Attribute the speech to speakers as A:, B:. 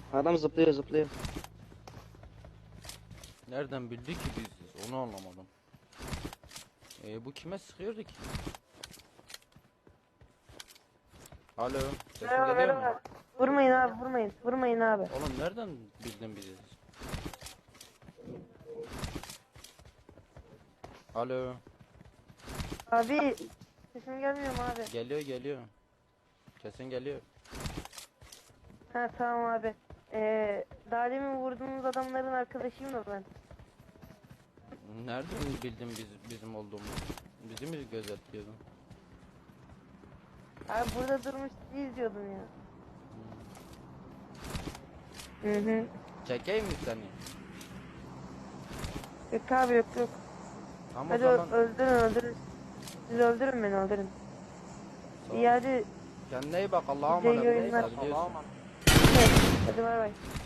A: Adam zıplıyor zıplıyor.
B: Nereden bildi ki biziz? Onu anlamadım. Bu kime sıkıyordu ki? Alo, sesin
C: Merhaba
B: geliyor mu?
C: merhaba. Vurmayın abi vurmayın. Vurmayın abi.
B: Oğlum nereden bildin biziz? Alo,
C: Abi sesim gelmiyor mu abi?
B: geliyor. Kesin geliyor.
C: Ha tamam abi. Daha demin vurduğumuz adamların arkadaşıyım da ben.
B: Nereden bildin bizim olduğumuzu? Bizi mi gözetliyordun?
C: Abi burada durmuş sizi izliyordum ya. Hı hı.
B: Çekeyim mi seni?
C: Yok abi yok.
B: Tamam o
C: Hadi
B: zaman.
C: öldürün. Siz öldürün beni öldürün.
B: Sağ ol.
C: İyi hadi.
B: Kendine iyi bak, Allah'a
C: Size iyi
B: emanet.
C: oyunlar.
B: Biliyorsun.
C: Hadi bay bay.